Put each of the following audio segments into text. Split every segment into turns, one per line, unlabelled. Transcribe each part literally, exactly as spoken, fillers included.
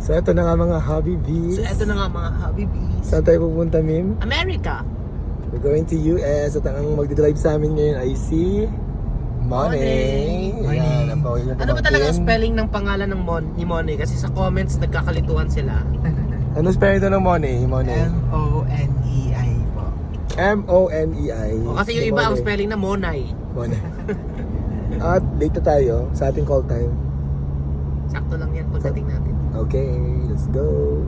So ito na nga mga hobby bees.
So eto na nga mga hobby bees.
Saan tayo pupunta, Mim?
America!
We're going to U S at ang magdidrive sa amin ngayon ay si Money.
Money.
Ayan, ang bawal niya
Ano ba
pamangkin.
talaga ang spelling ng pangalan ng Mon ni Money? Kasi sa comments nagkakalituhan sila.
Ano spelling ito ng Money? Money.
M O N E I po.
M O N E I.
O, kasi yung iba ang spelling na Monay.
Money. At late na tayo sa ating call time.
Sakto lang yan pagdating natin.
Okay, let's go.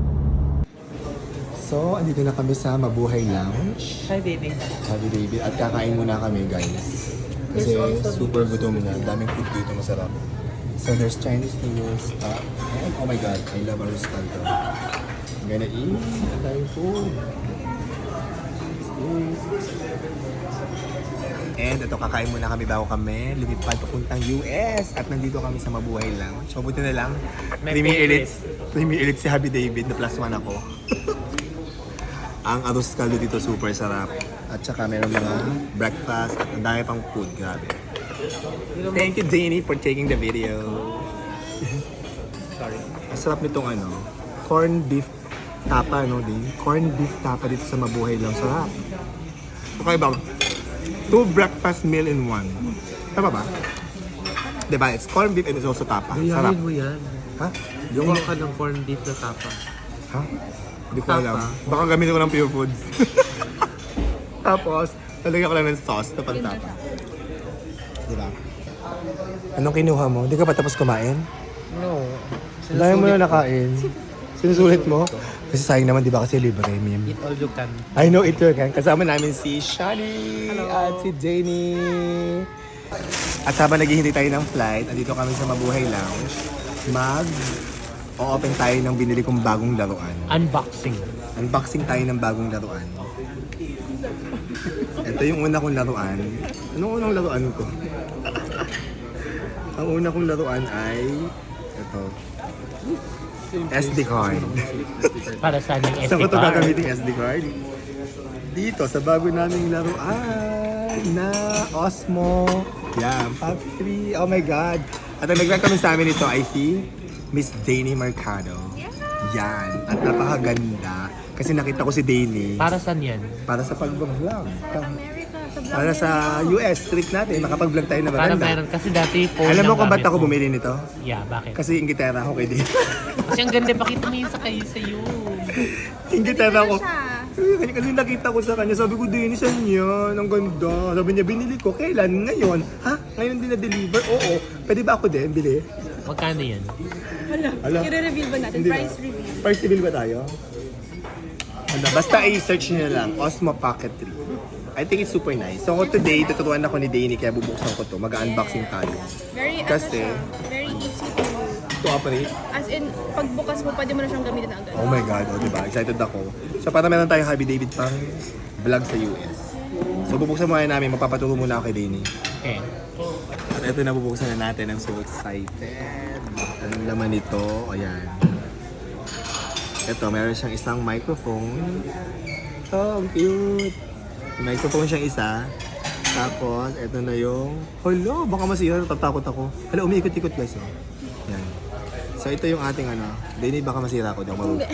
So, andito na kami sa Mabuhay Lounge.
Hi baby.
Happy David. At kakain muna kami, guys. Kasi super gutom na. Daming food dito, masarap. So, there's Chinese noodles. Uh, and, oh my God, I love arroz caldo. I'm gonna eat. Ang daming food. And ito, kakain muna kami bago kami lumipad papuntang U S. At nandito kami sa Mabuhay Lounge. So, buti na lang.
My
Premier
favorite.
Elites. Premier Elites si Happy David na plus one ako. Ang arroz caldo dito super sarap. At saka meron mga breakfast at ang dami pang food. Grabe. Thank you, Danny, for taking the video.
Sorry.
Ang sarap nitong ano, corn beef tapa, no, din? Corn beef tapa dito sa Mabuhay lang. Sarap. Okay ba? Two breakfast meal in one. Tama ba? Diba? It's corn beef and it's also tapa. Sarap.
mo yan.
Ha? Yung...
Kuha ka ng corned beef na tapa.
Ha? Hindi ko
Tapa.
alam. Baka gamitin ko ng Pure Foods. Tapos, talagyan ko lang ng sauce na pantapa. Diba? Anong kinuha mo? Hindi ka pa tapos kumain?
No.
Dahil mo na nakain. Sinusulit mo? Kasi sayang naman, di ba? Kasi libre, Mim.
Eat all you can.
I know it can. Kasama namin si Shani at si Jenny. At habang naghihintay tayo ng flight, andito kami sa Mabuhay Lounge. Mag o-open tayo ng binili kong bagong laruan.
Unboxing.
Unboxing tayo ng bagong laruan. Ito yung una kong laruan. Anong unang laruan ko? Ang una kong laruan ay ito. S D card.
Para saan yung S D
Saan ko ito
card?
gagamitin S D card? Dito, sa bago naming laruan na Osmo. Yan, Factory. Oh my God. At ang nag-recommend sa amin ito ay si Miss Danny Mercado. Yan. At napakaganda. Kasi nakita ko si Danny
Para saan yan?
para sa pag-vlog.
America, sa vlog
Para sa U S, trip natin. Makapag-vlog tayo na
Para
maganda.
meron. Kasi dati phone
Alam mo
lang
kung ba't
gamit
ako
mo.
bumili nito?
Yeah, bakit?
Kasi ingitera ako kay Danny.
Kasi ang ganda, pakita mo yun sa kayo sa'yo.
ingitera ako.
siya.
Kasi, kasi nakita ko sa kanya, sabi ko, Danny, saan yan? Ang ganda. Sabi niya, binili ko. Kailan? Ngayon? Ha? Ngayon din na-deliver? Oo. Pwede ba ako din? Bili?
Magkano yan?
Wala.
Ala.
I-reveal ba natin?
Hindi
Price
ba?
reveal.
Price reveal ba tayo? Ano, basta i-search niyo na lang, Osmo Pocket three. I think it's super nice. So today, tuturuan ako ni Danny kaya bubuksan ko to. Mag-unboxing tayo.
Very,
Kasi-
ano siya, very easy to,
To operate.
as in, pagbukas mo, pwede mo na siyang gamitin na agad.
Oh my God, oh, diba? Excited ako. So para meron tayong Happy David pang vlog sa U S. So bubuksan muna namin, magpapaturo muna ako kay Danny.
Okay.
At ito na bubuksan na natin. I'm so excited. Anong laman nito? Ayan. Ito, meron siyang isang microphone. Oh, ang cute. May microphone siyang isa. Tapos, ito na yung... Hala, baka masira. Natatakot ako. Hala, umiikot-ikot guys. Oh. Yan. So, ito yung ating ano. Danny, baka masira ako. Di ako marunong.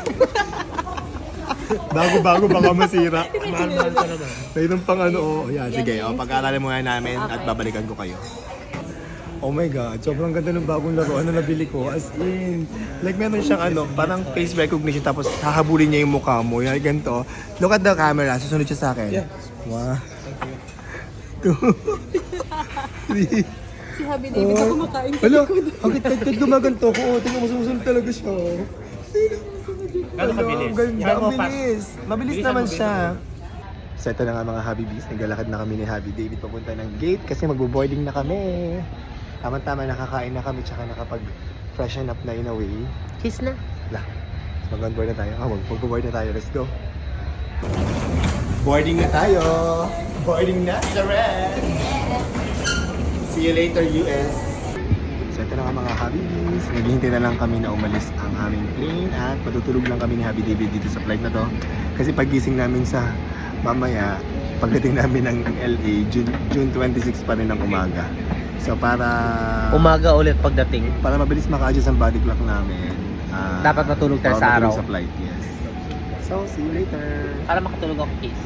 Bago-bago, baka masira.
Mahal-mahal ka naman.
Mayroon pang ano, oh. Yan, sige. Oh, pag-aaralan muna namin at babalikan ko kayo. Oh my God, sobrang ganda ng bagong laruan na nabili ko. As in, like meron siyang ano, parang face recognition tapos hahabulin niya yung mukha mo. Yan, ganito. Look at the camera, susunod siya sa akin.
Yeah.
One, two, three.
Si Happy David na kumakain sa
Hala,
likod.
ang kit-kit gumaganto ko. Oh, tingnan mo, susunod talaga siya.
Gano'n
Hala,
kabilis?
ang ganda,
Yan mo,
ang bilis. Mabilis
Bilisan
naman
mo,
siya. So ito na nga mga Happy Bees, naglalakad na kami ni Happy David papunta ng gate kasi magbo-boarding na kami. Tama-tama, nakakain na kami tsaka nakapag-freshen up na in a way.
Kiss na.
Wala. Mag-board na tayo. Ah, mag- mag-board na tayo. Let's go. Boarding na tayo. Boarding na sa red. See you later, U S. So ito na nga mga Happy Bees. Naghihintay na lang kami na umalis ang aming plane at matutulog lang kami ni Happy David dito sa flight na to. Kasi pagising namin sa mamaya, pagdating namin ng L A, June, June twenty-six pa rin ng umaga. So para
Umaga ulit pagdating.
para mabilis maka-adjust ang body clock namin, ah,
Dapat matulog tayo
bawal
sa
matulog
araw.
sa flight, yes. So, see you later.
Para makatulog ako, case.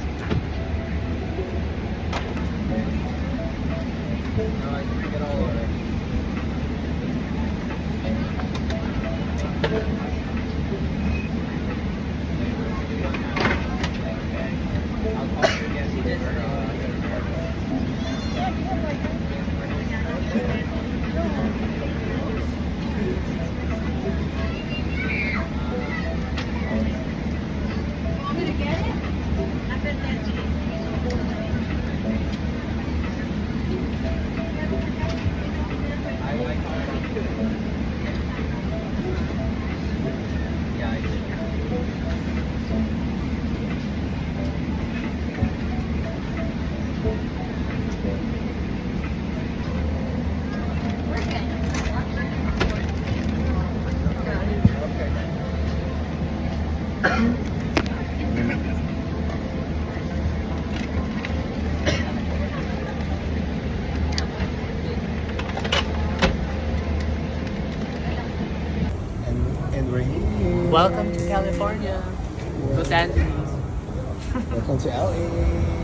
And, and we're here.
Welcome to California. Los Angeles.
Welcome to L A.